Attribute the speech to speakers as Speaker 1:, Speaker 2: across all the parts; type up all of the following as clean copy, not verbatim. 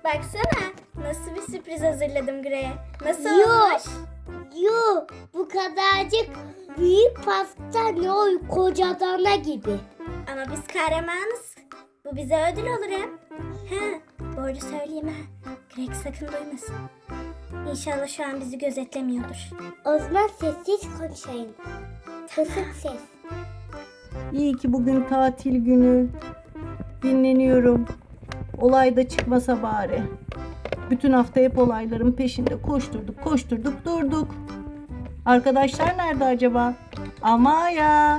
Speaker 1: Baksana nasıl bir sürpriz hazırladım Grey'e. Nasıl
Speaker 2: Yok.
Speaker 1: olmuş?
Speaker 2: Yok, bu kadarcık büyük pasta ne o koca dana gibi.
Speaker 1: Ama biz kahramanız. Bu bize ödül olur hem. Ha, bu arada söyleyeyim ha. Greg sakın duymasın. İnşallah şu an bizi gözetlemiyordur.
Speaker 2: O zaman sessiz konuşayım. Kısık ses.
Speaker 3: İyi ki bugün tatil günü. Dinleniyorum. Olay da çıkmasa bari. Bütün hafta hep olayların peşinde koşturduk durduk. Arkadaşlar nerede acaba? Amaya.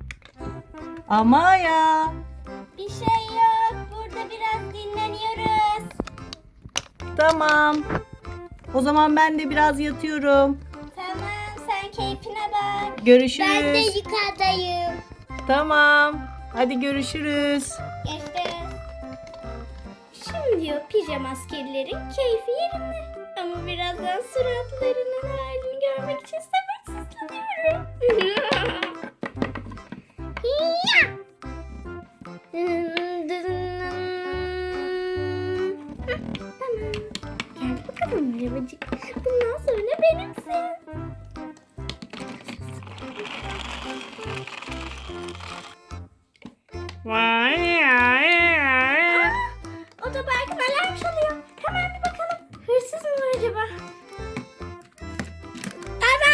Speaker 1: Bir şey yok. Burada biraz dinleniyoruz.
Speaker 3: Tamam. O zaman ben de biraz yatıyorum.
Speaker 1: Tamam, sen keyfine bak.
Speaker 3: Görüşürüz.
Speaker 2: Ben de yukarıdayım.
Speaker 3: Tamam. Hadi görüşürüz.
Speaker 1: Geçti. Şimdi o pijama askerlerin keyfi yerinde. Ama birazdan suratlarının halini görmek için sabırsızlanıyorum. Tamam. Gel bakalım arabacık. Bundan sonra benimsin. Otoparkın alarm çalıyor. Hemen bir bakalım. Hırsız mı var acaba?
Speaker 2: Baba!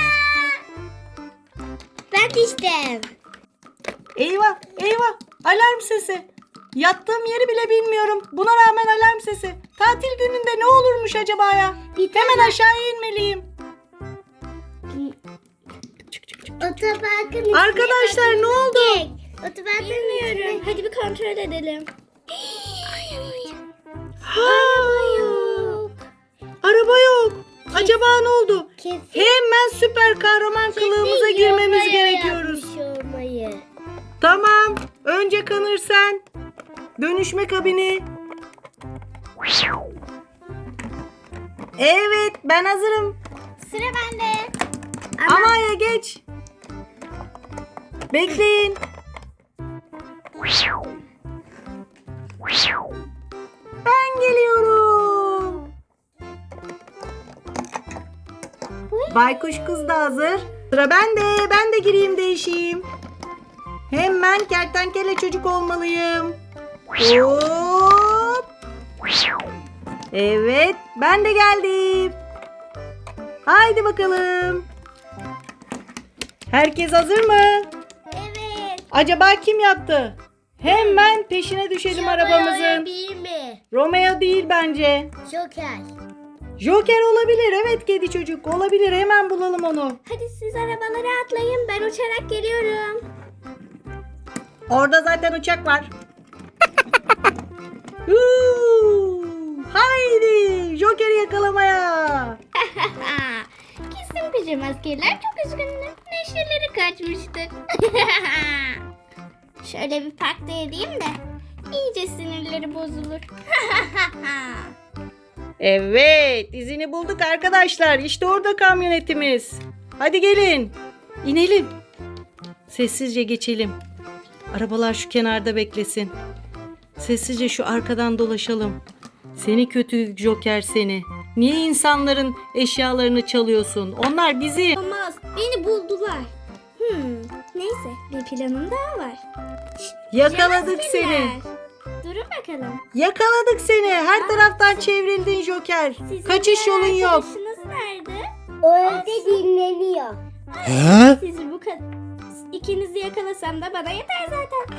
Speaker 2: Ben düştüm.
Speaker 3: Eyvah. Alarm sesi. Yattığım yeri bile bilmiyorum. Buna rağmen alarm sesi. Tatil gününde ne olurmuş acaba ya? Hemen aşağıya inmeliyim.
Speaker 2: Otoparkın
Speaker 3: Arkadaşlar ne oldu?
Speaker 2: Otoparkın
Speaker 1: Bilmiyorum. Hadi bir kontrol edelim.
Speaker 3: Araba yok. Acaba ne oldu?
Speaker 2: Kesin
Speaker 3: Hemen süper kahraman kılığımıza girmemiz gerekiyoruz.
Speaker 2: Olmayı.
Speaker 3: Tamam. Önce Kanır sen. Dönüşme kabini. Evet, ben hazırım.
Speaker 1: Sıra bende.
Speaker 3: Amaya geç. Bekleyin. Ben geliyorum. Baykuş kız da hazır. Sıra bende. Ben de gireyim değişeyim. Hemen kertenkele çocuk olmalıyım. Hop. Evet, ben de geldim. Haydi bakalım. Herkes hazır mı?
Speaker 1: Evet.
Speaker 3: Acaba kim yaptı? Hemen peşine düşelim arabamızın.
Speaker 2: Değil mi?
Speaker 3: Romeo değil bence.
Speaker 2: Joker.
Speaker 3: Joker olabilir. Evet kedi çocuk olabilir. Hemen bulalım onu.
Speaker 1: Hadi siz arabalara atlayın. Ben uçarak geliyorum.
Speaker 3: Orada zaten uçak var. Huu! Haydi Joker'i yakalamaya.
Speaker 1: Kesin pijama askerler çok üzgündü. Neşeleri kaçmıştır. Şöyle bir parkta edeyim de iyice sinirleri bozulur.
Speaker 3: Evet, izini bulduk arkadaşlar. İşte orada kamyonetimiz. Hadi gelin. İnelim. Sessizce geçelim. Arabalar şu kenarda beklesin. Sessizce şu arkadan dolaşalım. Seni kötü Joker seni. Niye insanların eşyalarını çalıyorsun? Onlar bizi.
Speaker 1: Olmaz. Beni buldular. Neyse bir planım daha var.
Speaker 3: Yakaladık
Speaker 1: Pijama
Speaker 3: seni.
Speaker 1: askerler. Durun bakalım.
Speaker 3: Yakaladık seni. Her taraftan çevrildin Joker.
Speaker 1: Sizin
Speaker 3: Kaçış
Speaker 1: diğer
Speaker 3: yolun yok.
Speaker 1: arkadaşınız nerede?
Speaker 2: O evde dinleniyor.
Speaker 1: Sizi bu kadar... İkinizi yakalasam da bana yeter zaten.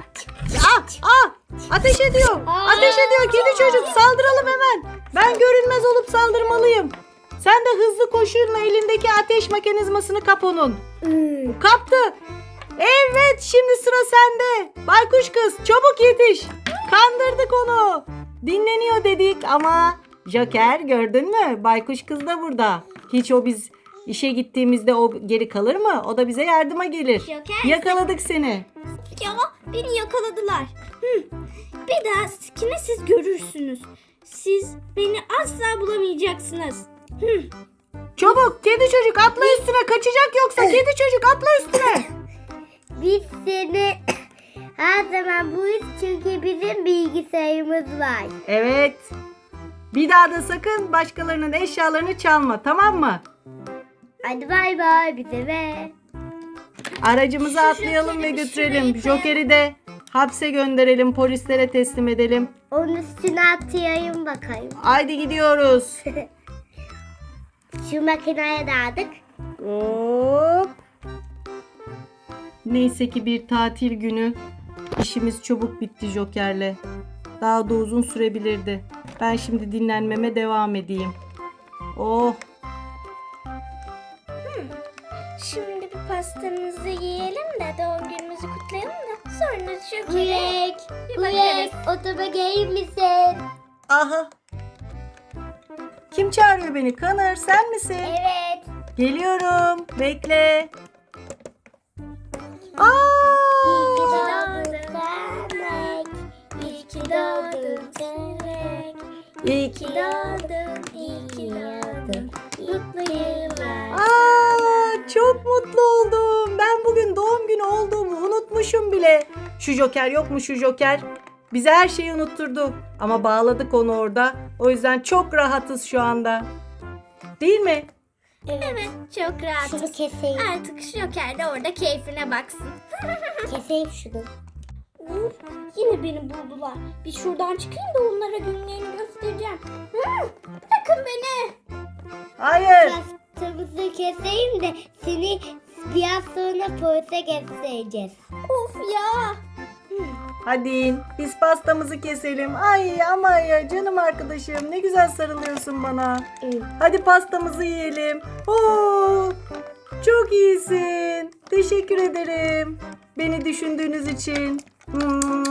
Speaker 3: Ateş ediyor. Ateş ediyor kedi çocuk. Saldıralım hemen. Ben görünmez olup saldırmalıyım. Sen de hızlı koşuyla elindeki ateş mekanizmasını kap onun. Kaptı. Evet şimdi sıra sende. Baykuş kız çabuk yetiş. Kandırdık onu. Dinleniyor dedik ama Joker gördün mü? Baykuş kız da burada. Hiç o biz işe gittiğimizde o geri kalır mı? O da bize yardıma gelir.
Speaker 1: Joker.
Speaker 3: Yakaladık seni.
Speaker 1: Ya beni yakaladılar. Bir dahakine siz görürsünüz. Siz beni asla bulamayacaksınız.
Speaker 3: Çabuk kedi çocuk atla üstüne kaçacak yoksa kedi çocuk atla üstüne.
Speaker 2: Biz seni Her zaman bu iş çünkü bizim bilgisayarımız var.
Speaker 3: Evet. Bir daha da sakın başkalarının eşyalarını çalma, tamam mı?
Speaker 2: Hadi bay bay bize ve.
Speaker 3: Aracımıza atlayalım ve
Speaker 1: Joker'i
Speaker 3: götürelim.
Speaker 1: şuraya koy.
Speaker 3: Joker'i de hapse gönderelim, polislere teslim edelim.
Speaker 2: Onun üstüne atayım bakayım.
Speaker 3: Haydi gidiyoruz.
Speaker 2: Şu makineye dağıdık.
Speaker 3: Hop. Neyse ki bir tatil günü. İşimiz çabuk bitti Joker'le. Daha da uzun sürebilirdi. Ben şimdi dinlenmeme devam edeyim. Oh.
Speaker 1: Şimdi bir pastamızı yiyelim de doğum günümüzü kutlayalım da sonra Joker'e
Speaker 2: Greg,
Speaker 1: bir
Speaker 2: Greg
Speaker 1: bakarız.
Speaker 2: otobüse gelir misin?
Speaker 3: Aha. Kim çağırıyor beni? Connor, sen misin?
Speaker 2: Evet.
Speaker 3: Geliyorum. Bekle. Aa!
Speaker 2: İyi ki doğdun Greg.
Speaker 1: İyi ki doğdun Greg.
Speaker 3: İyi
Speaker 1: İyi ki doğdun, iyi ki doğdun. Mutlu yıllar.
Speaker 3: Aa, çok mutlu oldum. Ben bugün doğum günü olduğumu unutmuşum bile. Şu Joker yok mu şu Joker? Bize her şeyi unutturdu. Ama bağladık onu orada. O yüzden çok rahatız şu anda. Değil mi?
Speaker 1: Evet, çok
Speaker 2: Şunu
Speaker 1: rahatız.
Speaker 2: keseyim.
Speaker 1: Artık Joker de orada keyfine baksın.
Speaker 2: Keseyim şunu.
Speaker 1: Uf, yine beni buldular. Bir şuradan çıkayım da onlara günlerini göstereceğim. Bırakın beni.
Speaker 3: Hayır.
Speaker 2: Pastamızı keseyim de seni biraz sonra polise göstereceğiz.
Speaker 1: Of ya.
Speaker 3: Hadi biz pastamızı keselim. Ay ama ya canım arkadaşım ne güzel sarılıyorsun bana. Hadi pastamızı yiyelim. Oo, çok iyisin. Teşekkür ederim. Beni düşündüğünüz için.